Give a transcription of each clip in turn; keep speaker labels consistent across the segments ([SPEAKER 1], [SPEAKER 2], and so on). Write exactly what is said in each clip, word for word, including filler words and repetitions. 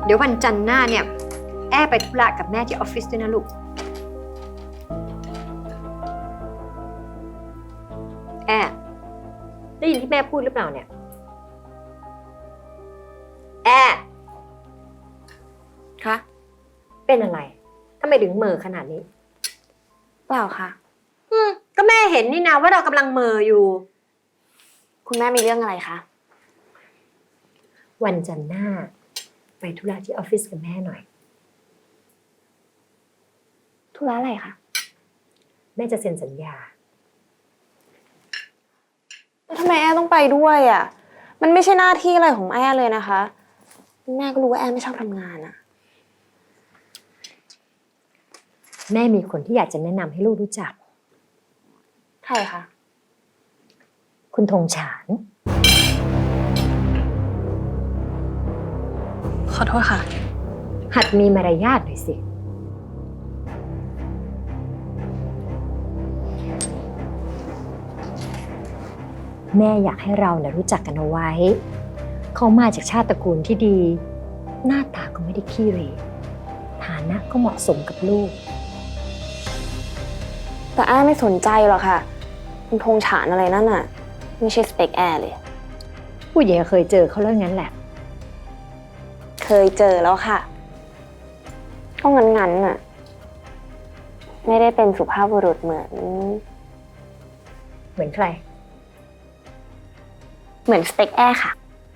[SPEAKER 1] เดี๋ยววันจันทร์หน้าเนี่ยแอไปธุระกับแม่ที่ออฟฟิศด้วยนะลูกแอได้ยินที่แม่พูดหรือเปล่าเนี่ยแอ
[SPEAKER 2] คะ
[SPEAKER 1] เป็นอะไรทำไมถึงเหม่อขนาดนี้
[SPEAKER 2] เปล่าค่ะ
[SPEAKER 1] อืมก็แม่เห็นนี่นะว่าเรากำลังเหม่ออยู่
[SPEAKER 2] คุณแม่มีเรื่องอะไรคะ
[SPEAKER 1] วันจันทร์หน้าไปธุระที่ออฟฟิศกับแม่หน่อย
[SPEAKER 2] ธุระอะไรคะ
[SPEAKER 1] แม่จะเซ็นสัญญา
[SPEAKER 2] แล้วทำไมแอต้องไปด้วยอ่ะมันไม่ใช่หน้าที่อะไรของแอเลยนะคะแม่ก็รู้ว่าแอไม่ชอบทำงานอ่ะ
[SPEAKER 1] แม่มีคนที่อยากจะแนะนำให้ลูกรู้จัก
[SPEAKER 2] ใครคะ
[SPEAKER 1] คุณธงฉาน
[SPEAKER 2] ขอโทษค่ะ
[SPEAKER 1] หัดมีมารยาทหน่อยสิแม่อยากให้เราเนี่ยรู้จักกันเอาไว้เขามาจากชาติตระกูลที่ดีหน้าตาก็ไม่ได้ขี้เหร่ฐานะก็เหมาะสมกับลูก
[SPEAKER 2] แต่แอไม่สนใจหรอกค่ะคุณธงฉานอะไรนั่นน่ะไม่ใช่สเปคแอเลย
[SPEAKER 1] ผู้ใหญ่เคยเจอเขาแล้วงั้นแหละ
[SPEAKER 2] เคยเจอแล้วค่ะก็งั้นๆน่ะไม่ได้เป็นสุภาพบุรุษเหมือน
[SPEAKER 1] เหมือนใคร
[SPEAKER 2] เหมือนสเปคแอค่ะ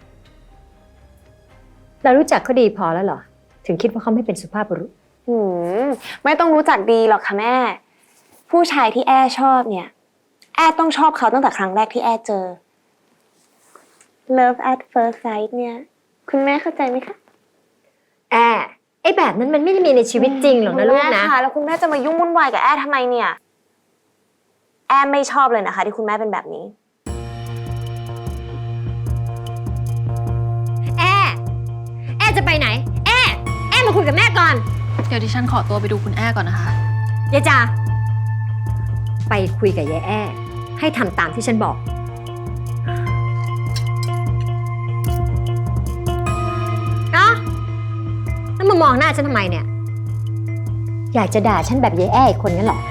[SPEAKER 1] เรารู้จักเขาดีพอแล้วเหรอถึงคิดว่าเขาไม่เป็นสุภาพบุรุษ
[SPEAKER 2] อืมไม่ต้องรู้จักดีหรอกค่ะแม่ผู้ชายที่แอชอบเนี่ยแอต้องชอบเขาตั้งแต่ครั้งแรกที่แอเจอ Love at first sight เนี่ยคุณแม่เข้าใจไหมคะ
[SPEAKER 1] แอไอ้แบบนั้นมันไม่ได้มีในชีวิตจริงหรอกนะลูกนะ
[SPEAKER 2] ค่ะแล้วคุณแม่จะมายุ่งวุ่นวายกับแอทำไมเนี่ยแอไม่ชอบเลยนะคะที่คุณแม่เป็นแบบนี้
[SPEAKER 1] แอแอจะไปไหนแอแอมาคุยกับแม่ก่อน
[SPEAKER 3] เดี๋ยวดิฉันขอตัวไปดูคุณแอก่อนนะคะ
[SPEAKER 1] ยายจาไปคุยกับยายแอให้ทำตามที่ฉันบอกเนาะแล้วมามองหน้าฉันทำไมเนี่ยอยากจะด่าฉันแบบยายแออีกคนงั้นหรอ